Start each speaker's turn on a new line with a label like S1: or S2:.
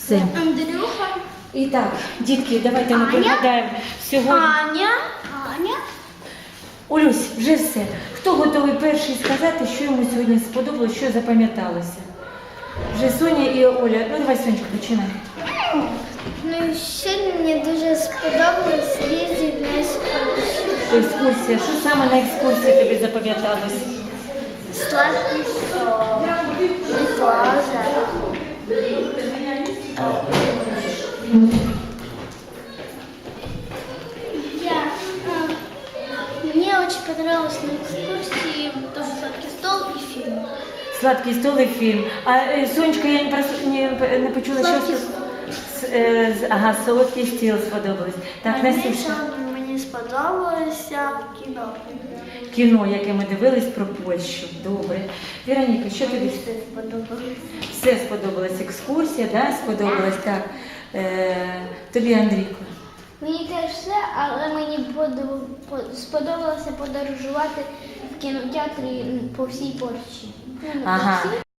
S1: Все.
S2: Андрюха.
S1: І так, дітки, давайте ми пригадаємо сьогодні.
S2: Аня.
S1: Олюсь, вже все. Хто готовий перший сказати, що йому сьогодні сподобалось, що запам'яталося? Вже Соня і Оля. Ну, давай, Сонечка, починай.
S2: Ну, сьогодні мені дуже сподобалось їздити на екскурсію.
S1: Екскурсія. Що саме на екскурсії тобі запам'яталось?
S2: Сладкий сон. Плаза. Мне очень понравилось на экскурсии тоже сладкий стол и фильм.
S1: Сладкий стол і фільм. А Сонечка, я не почула,
S2: Сладкий
S1: що... Ага, солодкий стіл сподобалось. Так, Настюша.
S2: Мені сподобалося кіно.
S1: Кіно, яке ми дивились про Польщу. Добре. Віроніка, що тобі?
S2: Все сподобалося.
S1: Все сподобалась екскурсія, да? Сподобалась, так. Тобі, Андрійко?
S2: Мені теж все, але мені сподобалося подорожувати в кінотеатрі по всій Польщі. Ну, не по
S1: Ага,
S2: всій,